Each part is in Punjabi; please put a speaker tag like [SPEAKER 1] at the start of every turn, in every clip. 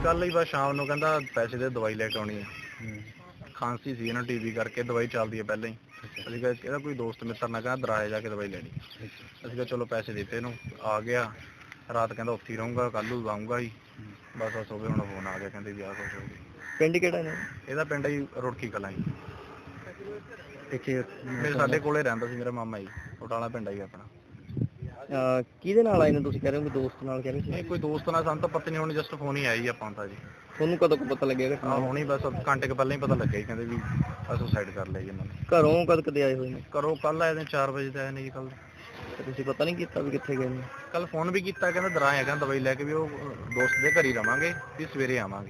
[SPEAKER 1] ਕੱਲ ਹੀ ਬਸ ਸ਼ਾਮ ਨੂੰ ਕਹਿੰਦਾ ਪੈਸੇ ਦੇ ਦਵਾਈ ਲੈ ਕੇ ਆਉਣੀ ਹੈ। ਖਾਂਸੀ ਸੀ ਨਾ ਟੀਵੀ ਕਰਕੇ, ਦਵਾਈ ਚੱਲਦੀ ਹੈ ਪਹਿਲਾਂ ਹੀ। ਅਸੀਂ ਕਿਹਾ ਇਹਦਾ ਕੋਈ ਦੋਸਤ ਮਿੱਤਰ ਨਾ ਕਹਿੰਦਾ ਦਰਾਏ ਜਾ ਕੇ ਦਵਾਈ ਲੈਣੀ। ਅਸੀਂ ਕਿਹਾ ਚਲੋ ਪੈਸੇ ਦਿੱਤੇ ਇਹਨੂੰ, ਆ ਗਿਆ ਰਾਤ, ਕਹਿੰਦਾ ਉੱਥੇ ਹੀ ਰਹੂੰਗਾ, ਕੱਲ੍ਹ ਨੂੰ ਆਊਂਗਾ ਹੀ। ਬਸ ਹੋਵੇ ਹੁਣ ਫੋਨ ਆ ਗਿਆ, ਕਹਿੰਦੇ ਵੀ ਆਹ ਕੁਛ ਹੋ ਗਿਆ।
[SPEAKER 2] ਪਿੰਡ ਕਿਹੜਾ ਨੇ?
[SPEAKER 1] ਇਹਦਾ ਪਿੰਡ ਜੀ ਰੁੜਕੀ ਕਲਾਂ ਜੀ।
[SPEAKER 2] ਇੱਥੇ
[SPEAKER 1] ਮੇਰੇ ਸਾਡੇ ਕੋਲੇ ਰਹਿੰਦਾ ਸੀ ਮੇਰਾ ਮਾਮਾ ਜੀ, ਬਟਾਲਾ ਪਿੰਡ ਆ ਜੀ ਆਪਣਾ।
[SPEAKER 2] ਕਿਹਦੇ ਨਾਲ ਆਏ ਨੇ ਤੁਸੀਂ ਕਹਿ ਰਹੇ ਹੋ? ਦੋਸਤ ਨਾਲ ਕਹਿ ਰਹੇ ਸੀ?
[SPEAKER 1] ਨਹੀਂ ਕੋਈ ਦੋਸਤ ਨਾਲ, ਸਾਨੂੰ ਤਾਂ ਪਤਾ ਨਹੀਂ, ਹੁਣ ਜਸਟ ਫੋਨ ਹੀ ਆਇਆ ਜੀ ਆਪਾਂ ਤਾਂ ਜੀ।
[SPEAKER 2] ਤੁਹਾਨੂੰ ਕਦੋਂ ਕੁ ਪਤਾ ਲੱਗਿਆ ਘਟਨਾ?
[SPEAKER 1] ਹੁਣੀ ਬਸ ਘੰਟੇ ਕੁ ਪਹਿਲਾਂ ਹੀ ਪਤਾ ਲੱਗਿਆ ਜੀ, ਕਹਿੰਦੇ ਵੀ ਸੁਸਾਈਡ ਕਰ ਲਿਆ ਜੀ ਇਹਨਾਂ ਨੇ।
[SPEAKER 2] ਘਰੋਂ ਕਦ ਕਦੇ ਆਏ ਹੋਏ ਨੇ?
[SPEAKER 1] ਘਰੋਂ ਕੱਲ ਆਏ ਨੇ 4 ਵਜੇ ਤੇ ਆਏ ਨੇ ਜੀ ਕੱਲ।
[SPEAKER 2] ਤੁਸੀਂ ਪਤਾ ਨਹੀਂ ਕੀਤਾ ਵੀ ਕਿੱਥੇ ਗਏ ਨੇ?
[SPEAKER 1] ਕੱਲ ਫੋਨ ਵੀ ਕੀਤਾ, ਕਹਿੰਦਾ ਦਰਾਏ ਹੈਗਾ, ਦਵਾਈ ਲੈ ਕੇ ਵੀ ਉਹ ਦੋਸਤ ਦੇ ਘਰ ਹੀ ਰਵਾਂਗੇ, ਵੀ ਸਵੇਰੇ ਆਵਾਂਗੇ।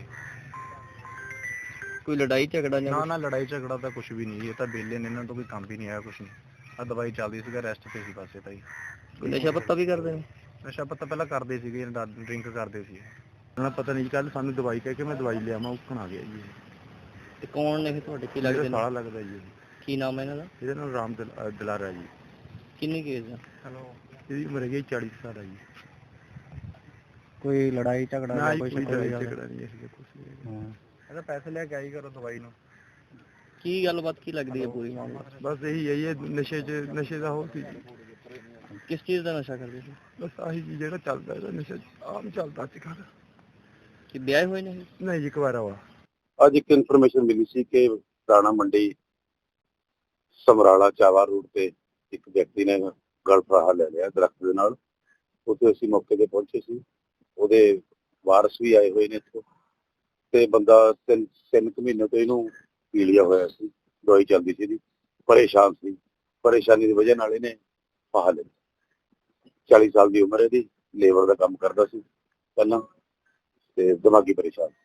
[SPEAKER 2] ਕੋਈ ਲੜਾਈ ਝਗੜਾ ਜਾਂ?
[SPEAKER 1] ਨਾ ਲੜਾਈ ਝਗੜਾ ਤਾਂ ਕੁਝ ਵੀ ਨਹੀਂ, ਇਹ ਤਾਂ ਵਿਹਲੇ ਨੇ, ਇਹਨਾਂ ਤੋਂ ਕੋਈ ਕੰਮ ਵੀ ਨਹੀਂ ਆਇਆ ਕੁਝ ਨਹੀਂ। ਆ ਦਵਾਈ ਚੱਲਦੀ ਸੀਗਾ, ਰੈਸਟ ਤੇ ਸੀ ਬਸ ਇਹ ਤਾਂ ਜੀ।
[SPEAKER 2] ਕੋਈ ਨਸ਼ਾ ਪੱਤਾ ਵੀ ਕਰਦੇ ਨੇ?
[SPEAKER 1] ਨਸ਼ਾ ਪੱਤਾ ਪਹਿਲਾਂ ਕਰਦੇ ਸੀਗੇ, ਡਰਿੰਕ ਕਰਦੇ ਸੀ। ਉਹਨਾਂ ਪਤਾ ਨਹੀਂ, ਕੱਲ ਸਾਨੂੰ ਦਵਾਈ ਕਹਿ ਕੇ ਮੈਂ ਦਵਾਈ ਲਿਆਵਾਂ, ਉੱਕਣ ਆ ਗਿਆ ਜੀ।
[SPEAKER 2] ਤੇ ਕੌਣ ਨੇ ਤੁਹਾਡੇ, ਕੀ ਲੱਗਦੇ ਨੇ?
[SPEAKER 1] ਸਾਲਾ ਲੱਗਦਾ ਜੀ।
[SPEAKER 2] ਕੀ ਨਾਮ ਹੈ ਇਹਨਾਂ ਦਾ?
[SPEAKER 1] ਇਹਦਾ ਨਾਮ ਰਾਮ ਦਲਾਰਾ ਜੀ।
[SPEAKER 2] ਕਿੰਨੀ ਕੇਸ ਆ?
[SPEAKER 1] ਇਹਦੀ ਉਮਰ ਹੈਗੀ 40 ਸਾਲ ਆ ਜੀ।
[SPEAKER 2] ਕੋਈ ਲੜਾਈ ਝਗੜਾ?
[SPEAKER 1] ਕੋਈ ਲੜਾਈ ਝਗੜਾ ਨਹੀਂ ਸੀ ਕੁਝ ਨਹੀਂ। ਇਹਦਾ ਪੈਸੇ ਲੈ ਕੇ ਆਈ ਕਰੋ ਦਵਾਈ ਨੂੰ।
[SPEAKER 2] ਕੀ ਗੱਲਬਾਤ ਕੀ ਲੱਗਦੀ ਹੈ ਪੂਰੀ ਮਾਮਲਾ?
[SPEAKER 1] ਬਸ ਇਹੀ ਹੈ, ਇਹ ਨਸ਼ੇ ਦਾ ਹੋ ਸੀ।
[SPEAKER 2] ਕਿਸ ਚੀਜ਼ ਦਾ ਨਸ਼ਾ ਕਰਦੇ ਸੀ?
[SPEAKER 1] ਬਸ ਆਹੀ ਜੀ ਜਿਹੜਾ ਚੱਲਦਾ, ਇਹਦਾ ਨਸ਼ਾ ਆਮ ਚੱਲਦਾ ਅੱਜ ਕੱਲ੍ਹ।
[SPEAKER 2] ਕਿ ਵਿਆਹ ਹੋਏ ਨੇ?
[SPEAKER 1] ਨਹੀਂ ਜੀ, ਕੁਆਰਾ ਵਾ।
[SPEAKER 3] ਅੱਜ ਇੱਕ ਇਨਫੋਰਮੇਸ਼ਨ ਮਿਲੀ ਸੀ ਕਿ ਦਾਣਾ ਮੰਡੀ ਸਮਰਾਲਾ ਚਾਵਾ ਰੋਡ ਤੇ ਇੱਕ ਵਿਅਕਤੀ ਨੇ ਗਲ ਫਾਹਾ ਲੈ ਲਿਆ ਦਰਖਤ ਦੇ ਨਾਲ। ਉੱਥੇ ਅਸੀਂ ਮੌਕੇ ਤੇ ਪਹੁੰਚੇ ਸੀ, ਉਹਦੇ ਵਾਰਸ ਵੀ ਆਏ ਹੋਏ ਨੇ ਇੱਥੇ, ਤੇ ਬੰਦਾ 3 ਮਹੀਨੇ ਤੋਂ ਇਹਨੂੰ ਪੀ ਲਿਆ ਹੋਇਆ ਸੀ, ਦਵਾਈ ਚੱਲਦੀ ਸੀ ਇਹਦੀ, ਪਰੇਸ਼ਾਨ ਸੀ, ਪਰੇਸ਼ਾਨੀ ਦੀ ਵਜ੍ਹਾ ਨਾਲ ਇਹਨੇ ਫਾਹਾ ਲਿਆ। 40 ਸਾਲ ਦੀ ਉਮਰ ਇਹਦੀ, ਲੇਬਰ ਦਾ ਕੰਮ ਕਰਦਾ ਸੀ ਪਹਿਲਾਂ, ਤੇ ਦਿਮਾਗੀ ਪਰੇਸ਼ਾਨ।